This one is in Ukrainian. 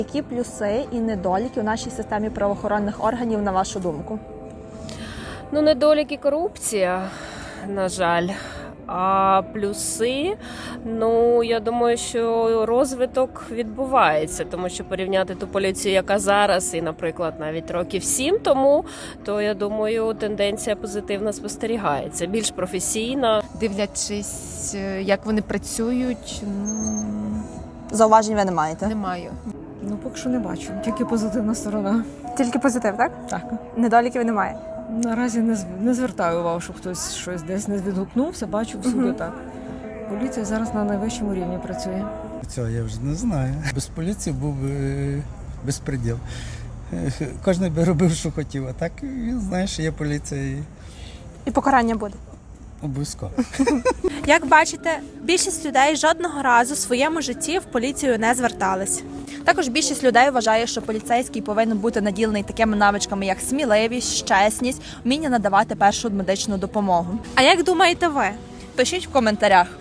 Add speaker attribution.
Speaker 1: Які плюси і недоліки у нашій системі правоохоронних органів, на вашу думку?
Speaker 2: Ну, недоліки корупція, на жаль. А плюси, ну, я думаю, що розвиток відбувається, тому що порівняти ту поліцію, яка зараз, і, наприклад, навіть років 7 тому, то, я думаю, тенденція позитивна спостерігається, більш професійна.
Speaker 3: Дивлячись, як вони працюють,
Speaker 1: Зауважень ви не маєте?
Speaker 3: не маю.
Speaker 4: Ну, поки що не бачу, тільки позитивна сторона.
Speaker 1: Тільки позитив, так?
Speaker 4: Так.
Speaker 1: Недоліків немає.
Speaker 4: Наразі не звертаю увагу, щоб хтось щось десь не відгукнувся, бачу всюди так. Поліція зараз на найвищому рівні працює.
Speaker 5: Цього я вже не знаю. Без поліції був би безпреділ. Кожен би робив, що хотів, а так він знає, що є поліція і
Speaker 1: І покарання буде.
Speaker 5: обов'язково.
Speaker 6: Як бачите, більшість людей жодного разу в своєму житті в поліцію не звертались.
Speaker 1: Також більшість людей вважає, що поліцейський повинен бути наділений такими навичками, як сміливість, чесність, вміння надавати першу медичну допомогу.
Speaker 6: А як думаєте ви?
Speaker 1: Пишіть в коментарях.